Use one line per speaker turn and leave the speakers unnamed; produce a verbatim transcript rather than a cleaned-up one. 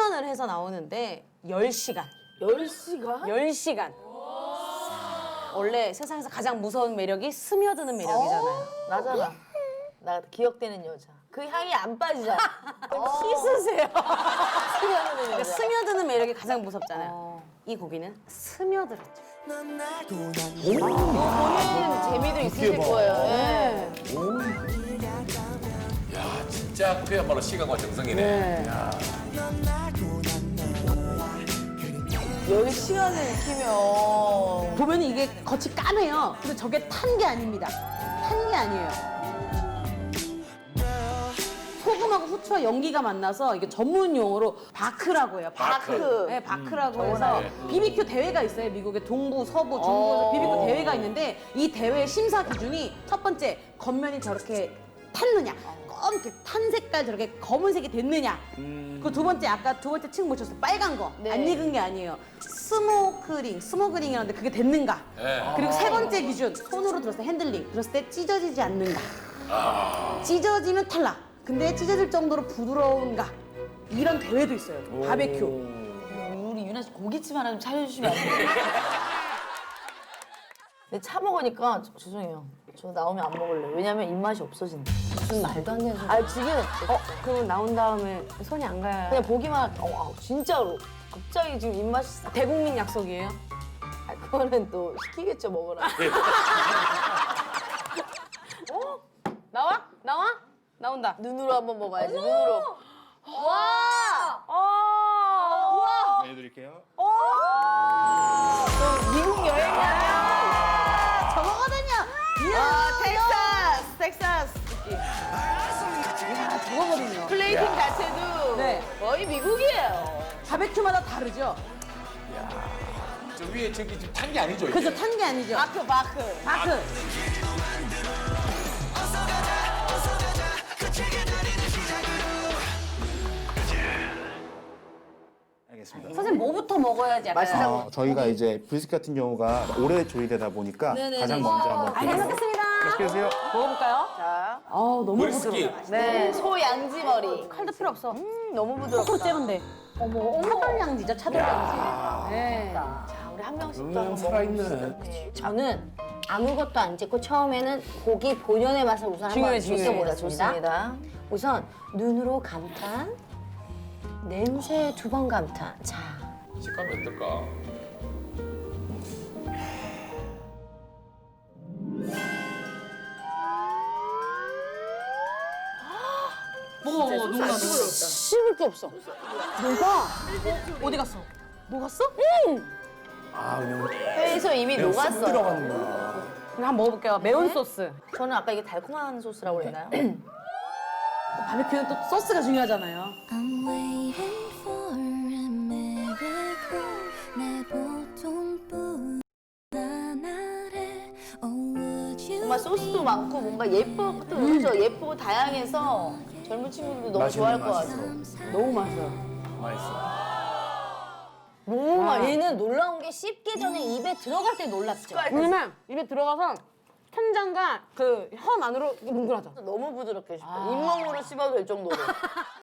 수면을 해서 나오는데 열 시간.
열 시간?
열 시간. 원래 세상에서 가장 무서운 매력이 스며드는 매력이잖아요.
나잖아. 나 기억되는 여자. 그 향이 안 빠지잖아.
씻으세요.
스며드는
그러니까
여자.
스며드는 매력이 가장 무섭잖아요.
어.
이 고기는 스며들었죠.
본인 재미도 있으실 거예요. 예.
야, 진짜 그야말로 시간과 정성이네. 야.
열 시간을 익히면
보면 이게 겉이 까매요. 근데 저게 탄 게 아닙니다. 탄 게 아니에요. 소금하고 후추와 연기가 만나서 이게 전문 용어로 바크라고 해요. 바크.
바크.
네, 바크라고
음,
해서
네.
비비큐 대회가 있어요. 미국의 동부, 서부, 중부에서
어.
비비큐 대회가 있는데 이 대회 심사 기준이 첫 번째 겉면이 저렇게 탔느냐, 검게 탄 색깔 저렇게 검은색이 됐느냐. 그 두 번째 아까 두 번째 층 보셨어요. 빨간 거.
네.
안 익은 게 아니에요. 스모크링, 스모그링이라는데 그게 됐는가.
네.
그리고 세 번째 기준 손으로 들었을 때 핸들링 들었을 때 찢어지지 않는가. 찢어지면 탈락. 근데 찢어질 정도로 부드러운가. 이런 대회도 있어요. 바베큐.
우리 유나 씨 고깃집 하나 좀 차려주시면 안 돼요? 근데 차 먹으니까 저- 죄송해요. 저 나오면 안 먹을래요. 왜냐면 입맛이 없어진다.
무슨 말도 안 되는 소리.
아 지금
어, 그러면 나온 다음에 손이 안 가요.
그냥 보기만 어, 아, 진짜로 갑자기 지금 입맛이 싹.
대국민 약속이에요.
아, 그거는 또 시키겠죠 먹으라.
어? 나와? 나와? 나온다.
눈으로 한번 먹어야지. 눈으로. 와!
어! 우와!
해드릴게요.
저 미국 여행이야.
저거거든요. 이야,
아 텍사스, 텍사스.
이야, 저거거든요.
플레이팅 자체도
네.
거의 미국이에요.
바베큐마다 다르죠?
저 위에 저기 지금 탄 게 아니죠, 이게?
그죠? 탄 게 아니죠?
바크 바크.
바크.
알겠습니다.
선생님 뭐부터 먹어야지 약간.
맛있다.
어, 저희가 이제 브리스켓 같은 경우가 오래 조리되다 보니까
네네네.
가장 먼저 한번
아, 잘 먹겠습니다.
맛있게 드세요.
먹어볼까요?
자,
아우, 너무
브리스킷.
부드러워.
네, 소 양지 머리.
칼도 필요 없어.
음, 너무
코로
부드럽다.
째면 어머, 어머. 차돌량지죠, 차돌량지. 네.
자, 우리 한 명씩 또
음,
한번
살아있네.
먹어봅시다.
저는 아무것도 안 찍고 처음에는 고기 본연의 맛을 우선
중요해,
한번
중요해.
느껴보겠습니다.
좋습니다.
우선 눈으로 감탄, 냄새 두 번 감탄. 자,
식감이 어떨까?
먹어, 먹어, 너무 나
씹을 게 없어.
뭐가? 어디 갔어? 녹았어?
아, 그냥
회에서 이미 녹았어요.
들어갔나.
그럼 한번 먹어볼게요. 매운 소스.
저는 아까 이게 달콤한 소스라고 그랬나요?
또 바베큐는 또 소스가 중요하잖아요.
I'm waiting for a miracle 내 보통뿐 나날에 Oh would you
정말 소스도 많고 뭔가 예쁘고 또 그죠? 예쁘고 다양해서 젊은 친구들도 너무 좋아할 것 같아요.
너무 맛있어요.
맛있어.
너무 맛. 얘는 놀라운 게 씹기 전에 입에 들어갈 때 놀랍죠.
왜냐면 입에 들어가서 천장과 그 혐 안으로 뭉그러져.
너무 부드럽게 씹혀. 잇몸으로 씹어도 될 정도로.